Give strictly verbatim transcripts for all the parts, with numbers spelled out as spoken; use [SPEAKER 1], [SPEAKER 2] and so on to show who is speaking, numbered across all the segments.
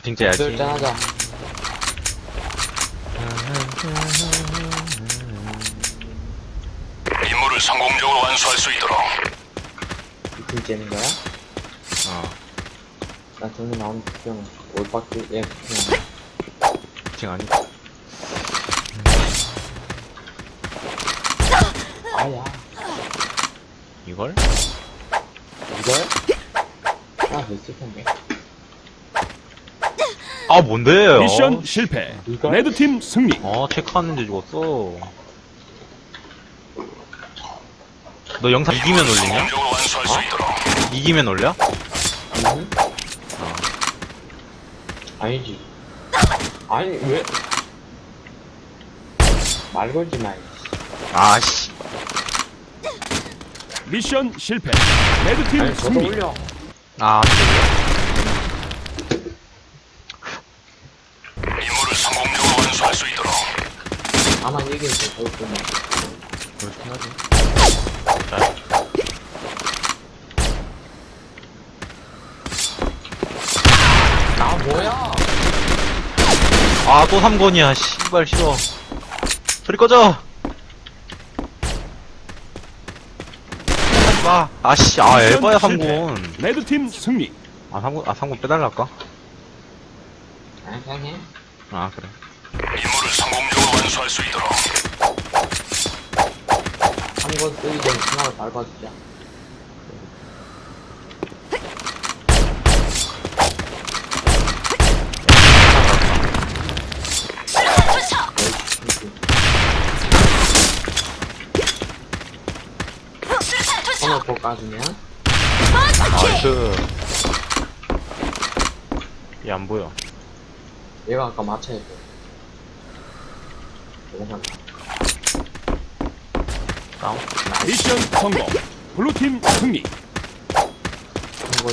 [SPEAKER 1] 진짜 야지.
[SPEAKER 2] 짠하자.
[SPEAKER 3] 임무를 성공적으로 완수할 수 있도록.
[SPEAKER 2] 이팀 째는 거야?
[SPEAKER 1] 어.
[SPEAKER 2] 나 정리 나온 형 올바퀴 얘 그냥
[SPEAKER 1] 지금 아니.
[SPEAKER 2] 아야
[SPEAKER 1] 이걸?
[SPEAKER 2] 이걸? 아 됐을 텐데.
[SPEAKER 1] 아, 뭔데?
[SPEAKER 4] 미션
[SPEAKER 1] 어,
[SPEAKER 4] 실패.
[SPEAKER 2] 이거?
[SPEAKER 4] 레드팀 승리.
[SPEAKER 1] 어, 체크하는데 죽었어. 너 영상 이기면 올리냐?
[SPEAKER 3] 성공적으로 완수할 수 있도록.
[SPEAKER 1] 이기면 올려?
[SPEAKER 2] 음? 아니지. 아니 왜? 말 걸지 마.
[SPEAKER 1] 아씨.
[SPEAKER 4] 미션 실패. 레드팀
[SPEAKER 2] 아니 저도
[SPEAKER 4] 승리.
[SPEAKER 2] 올려.
[SPEAKER 1] 아,
[SPEAKER 3] 임무를 성공적으로 완수할 수 있도록.
[SPEAKER 2] 아마 얘기해줘. 그렇구나.
[SPEAKER 1] 그렇긴 하지.
[SPEAKER 2] 아 뭐야?
[SPEAKER 1] 아, 또 삼 권이야. 씨발, 싫어. 소리 꺼져! 하지 마. 아씨, 아,
[SPEAKER 4] 미션
[SPEAKER 1] 에바야, 삼
[SPEAKER 4] 실패.
[SPEAKER 1] 권.
[SPEAKER 4] 레드팀 승리.
[SPEAKER 1] 아, 삼 권, 아, 삼 권 빼달랄까?
[SPEAKER 2] 아 그냥 해.
[SPEAKER 1] 아, 그래.
[SPEAKER 3] 임무를 성공적으로 완수할 수 있도록.
[SPEAKER 2] 한번 쓰기 전에 하나를 밟아주자. 하나 더 까주면
[SPEAKER 1] 나이스. 얘 안 보여.
[SPEAKER 2] 얘가 아까 맞춰야 돼. 넘어간다.
[SPEAKER 1] 다운.
[SPEAKER 4] 미션 성공. 블루팀 승리.
[SPEAKER 2] 한번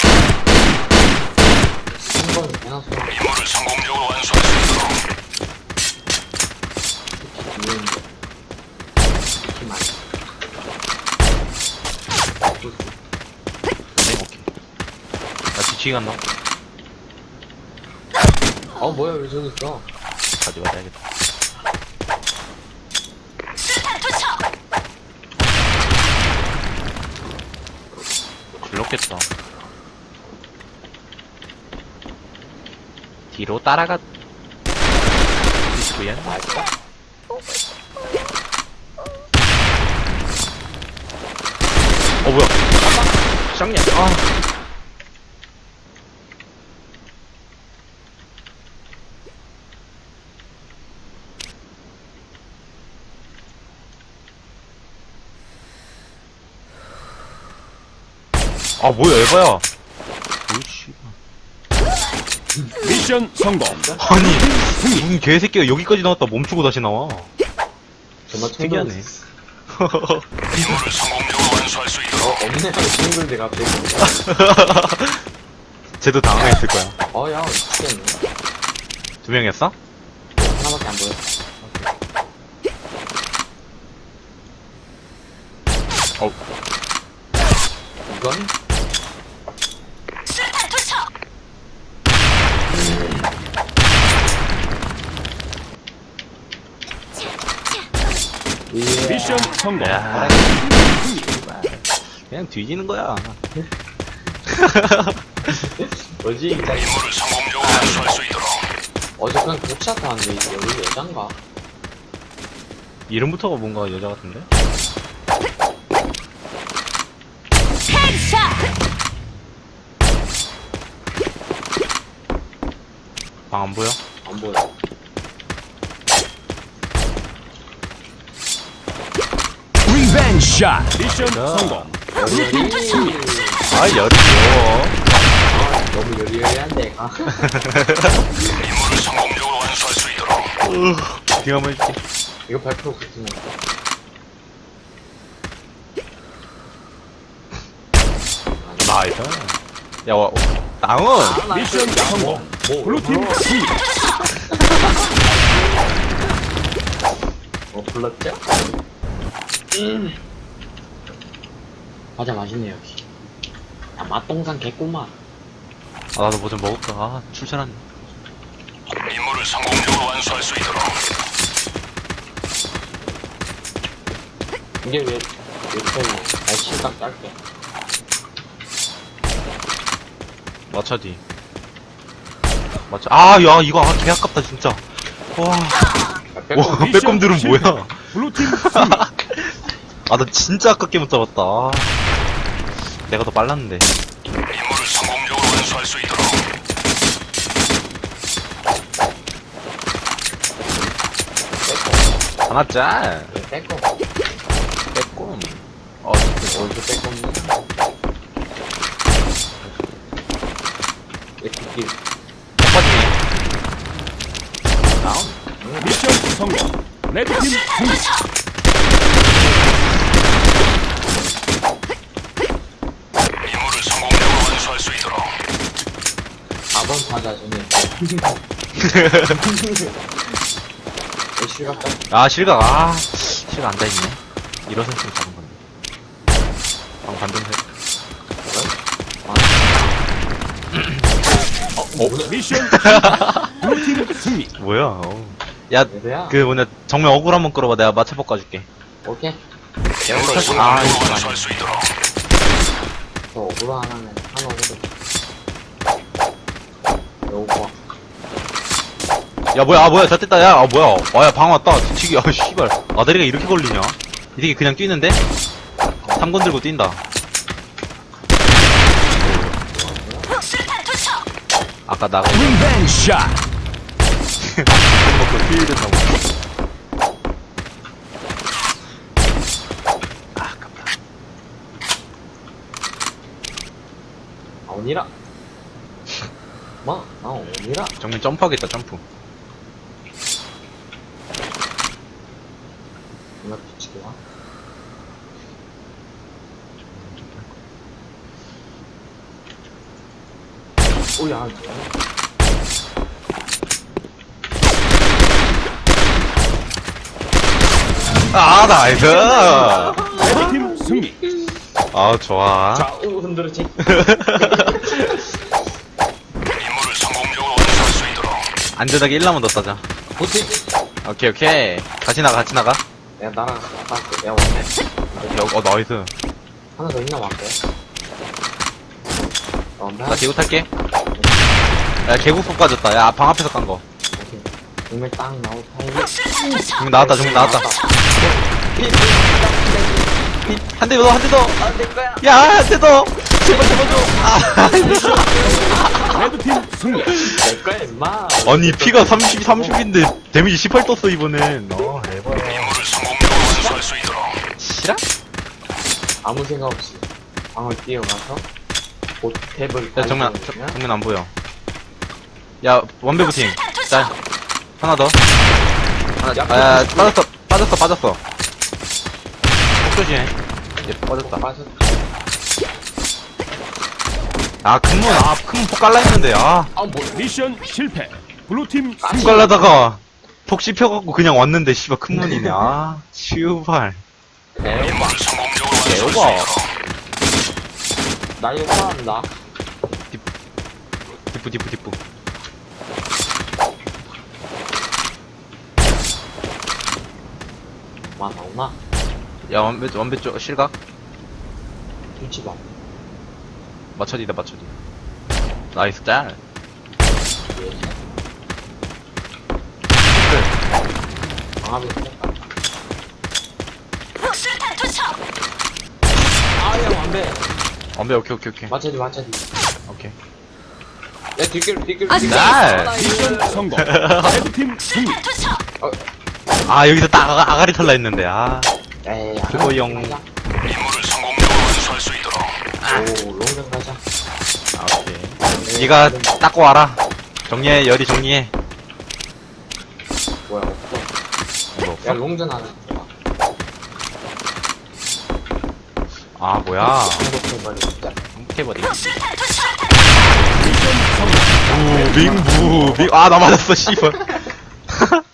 [SPEAKER 2] 한번 해놨어.
[SPEAKER 3] 임무를 성공적으로 완수할 수 있도록.
[SPEAKER 2] 특히 뒤에 있는데 특히 많이.
[SPEAKER 1] 네, 오케이. 나 뒤치기 간다.
[SPEAKER 2] 어 뭐야 왜 저기 있어?
[SPEAKER 1] 가져가야겠다. 불렀겠다. 뒤로 따라가. 디스크야?
[SPEAKER 2] 맛있다.
[SPEAKER 1] 어, 뭐야. 쌍년. 아. 아, 뭐야, 에바야. 오이씨.
[SPEAKER 4] 미션 성공.
[SPEAKER 1] 아니, 무슨 개새끼가 여기까지 나왔다 멈추고 다시 나와.
[SPEAKER 2] 정말
[SPEAKER 1] 특이하네.
[SPEAKER 3] 임무를 성공적으로 완수할 수
[SPEAKER 2] 어
[SPEAKER 3] 있도록.
[SPEAKER 2] 없네 하고 친구인데 갑자기.
[SPEAKER 1] 쟤도 당황했을 거야.
[SPEAKER 2] 어야 미치겠네.
[SPEAKER 1] 두 명이었어?
[SPEAKER 2] 하나밖에 안 보여.
[SPEAKER 1] 어,
[SPEAKER 2] 이건
[SPEAKER 4] 미션 성공.
[SPEAKER 1] 야. 그냥 뒤지는 거야.
[SPEAKER 2] 뭐지?
[SPEAKER 3] 임무를 성공적으로 완수할 수 있도록.
[SPEAKER 2] 어제 그냥 교차 타는데 이게 여기 여잔가?
[SPEAKER 1] 이름부터가 뭔가 여자 같은데? 방 안 보여?
[SPEAKER 2] 안 보여.
[SPEAKER 4] 리벤지 샷. 미션
[SPEAKER 1] 야.
[SPEAKER 4] 성공.
[SPEAKER 2] 여리.
[SPEAKER 1] 아, 열이 귀여워.
[SPEAKER 2] 아 너무 여리여리한데. 아.
[SPEAKER 3] 임무를 성공적으로 완수할 수 있도록.
[SPEAKER 1] 뒤 한번 해줄게.
[SPEAKER 2] 이거 발표 붙으면.
[SPEAKER 1] 나이스. 야, 와, 다운!
[SPEAKER 4] 미션 성공. 블루팀 승리.
[SPEAKER 2] 어 불렀죠? 음. 과자 맛있네 역시. 야 맛동산 개꿀맛.
[SPEAKER 1] 아, 나도 뭐 좀 먹을까. 아, 출출한.
[SPEAKER 3] 임무를 성공적으로 완수할 수 있도록.
[SPEAKER 2] 이게 왜, 왜 편이? 아, 실각 짧게.
[SPEAKER 1] 맞춰, 뒤. 맞춰. 아, 야, 이거, 아, 개 아깝다, 진짜. 와.
[SPEAKER 2] 아, 빼꼼.
[SPEAKER 1] 와, 빼꼼들은
[SPEAKER 4] 실패.
[SPEAKER 1] 뭐야.
[SPEAKER 4] 블루팀 승리.
[SPEAKER 1] 아, 나 진짜 아깝게 못 잡았다. 아. 내가 더 빨랐는데.
[SPEAKER 3] 임무를 성공적으로 완수할 수 있도록.
[SPEAKER 1] 하나 짤.
[SPEAKER 2] 왜 빼꼼?
[SPEAKER 1] 빼꼼. 어,
[SPEAKER 2] 어디서 빼꼼이야? 왜 뒷길?
[SPEAKER 1] 빠지네. 다운.
[SPEAKER 4] 미션 성공. 레드팀 승리.
[SPEAKER 3] 임무를 성공적으로 완수할 수 있도록.
[SPEAKER 2] 사 번 타자 전에. 왜 실각 짧게?
[SPEAKER 1] 아, 실각, 아. 실각 앉아있네. 일어서 있으면 잡은 건데. 방 반동세.
[SPEAKER 2] 어? 뭐야?
[SPEAKER 4] 미션 실패. 블루팀 승리.
[SPEAKER 1] 뭐야, 어. 야,
[SPEAKER 2] 얘들아?
[SPEAKER 1] 그 뭐냐, 정면 억울 한번 끌어봐. 내가 맞춰 깎아줄게.
[SPEAKER 2] 오케이.
[SPEAKER 3] 임무를
[SPEAKER 1] 아,
[SPEAKER 3] 성공적으로
[SPEAKER 1] 이거
[SPEAKER 3] 완수할 수 있도록.
[SPEAKER 2] 저 오브로 하나는 하나 오브로. 오버.
[SPEAKER 1] 야, 뭐야, 아, 뭐야, 잘 됐다, 야, 아, 뭐야. 아, 야, 방 왔다. 뒤치기, 아, 씨발. 아다리가 이렇게 걸리냐? 이 새끼 그냥 뛰는데? 삼 건 들고 뛴다. 아까 나가,
[SPEAKER 4] 리벤지 샷.
[SPEAKER 1] 먹고 힐 된다고. 아, 아깝다.
[SPEAKER 2] 아, 오니라. 마, 나 오니라.
[SPEAKER 1] 정면 점프하겠다, 점프.
[SPEAKER 2] 누나 비치기 와. 오야,
[SPEAKER 1] 아, 나이스!
[SPEAKER 4] 레드팀 승리.
[SPEAKER 1] 아, 좋아.
[SPEAKER 2] 좌우 흔들어지.
[SPEAKER 3] 임무를 성공적으로 완수할 수 있도록.
[SPEAKER 1] 안전하게 일 라운드 더 따자.
[SPEAKER 2] 보지.
[SPEAKER 1] 오케이, 오케이. 같이 나가, 같이 나가.
[SPEAKER 2] 야, 나랑 갔다 왔어. 야, 왔네.
[SPEAKER 1] 야, 어, 나이스.
[SPEAKER 2] 하나 더 있나, 왔대. 어, 나.
[SPEAKER 1] 나 개구 탈게. 야, 개구폭 빠졌다. 야, 방 앞에서 깐 거.
[SPEAKER 2] 오케이. 정말 딱 나올 타이밍.
[SPEAKER 1] 정면 나왔다, 정면 나왔다. 한 대 더, 한 대 더.
[SPEAKER 2] 아, 내 거야.
[SPEAKER 1] 야, 한 대 더. 제발, 제발 줘. 아,
[SPEAKER 4] 레드팀 승리.
[SPEAKER 2] 내 거야, 임마.
[SPEAKER 1] 아니, 피가 삼십, 삼십인데, 데미지 십팔 떴어, 이번엔. 어, 대박.
[SPEAKER 3] 임무를 성공적으로 완수할 수 있도록.
[SPEAKER 1] 실화?
[SPEAKER 2] 아무 생각 없이 방을 뛰어가서 곧 탭을
[SPEAKER 1] 야, 정면,
[SPEAKER 2] 발견하면
[SPEAKER 1] 정면 안 보여. 야, 원배 부팅. 짤. 하나 더. 하나,
[SPEAKER 2] 야,
[SPEAKER 1] 아, 야, 빠졌어, 빠졌어, 빠졌어. 폭 조심해. 얘 빠졌다.
[SPEAKER 2] 빠졌.
[SPEAKER 1] 아, 큰문, 아, 큰문 폭 깔라 했는데, 아.
[SPEAKER 2] 아, 뭐?
[SPEAKER 4] 미션 실패. 블루팀
[SPEAKER 1] 폭
[SPEAKER 4] 승리.
[SPEAKER 1] 깔라다가, 폭 씹혀갖고 그냥 왔는데, 씨발, 큰문이네. 아, 슈발.
[SPEAKER 2] 대박.
[SPEAKER 3] 임무를 성공적으로 완수할 수
[SPEAKER 1] 대박.
[SPEAKER 3] 있도록.
[SPEAKER 2] 나 이거 사람다.
[SPEAKER 1] 디프, 디프, 디프.
[SPEAKER 2] 마 나오나?
[SPEAKER 1] 야, 원배, 원배 쪽, 실각?
[SPEAKER 2] 눈치 봐.
[SPEAKER 1] 맞춰디다, 맞춰디. 나이스, 짤.
[SPEAKER 2] 예. 방압이 생겼다. 아야 완배.
[SPEAKER 1] 원배, 오케이, 오케이, 오케이.
[SPEAKER 2] 맞춰지 맞춰지.
[SPEAKER 1] 오케이.
[SPEAKER 2] 야 뒷길 뒷길
[SPEAKER 5] 아,
[SPEAKER 2] 뒷길.
[SPEAKER 1] 날.
[SPEAKER 4] 미션 성공. 레드팀 승리.
[SPEAKER 1] 아, 여기서 딱 아가, 아가리 털라 했는데, 아.
[SPEAKER 2] 에이.
[SPEAKER 1] 그거 영.
[SPEAKER 2] 가자.
[SPEAKER 3] 임무를 성공적으로 완수할 수 있도록.
[SPEAKER 2] 오 롱전 가자.
[SPEAKER 1] 아, 오케이. 니가 닦고 와라. 정리해, 열이 정리해.
[SPEAKER 2] 뭐야 없어.
[SPEAKER 1] 뭐
[SPEAKER 2] 야
[SPEAKER 1] 없어?
[SPEAKER 2] 롱전 하나.
[SPEAKER 1] 아, 뭐야.
[SPEAKER 2] 행복해버리 진짜.
[SPEAKER 1] 행복해버리.
[SPEAKER 4] 미션 성공.
[SPEAKER 1] 무, 빙부, 빙, 아, 나 맞았어, 씨발.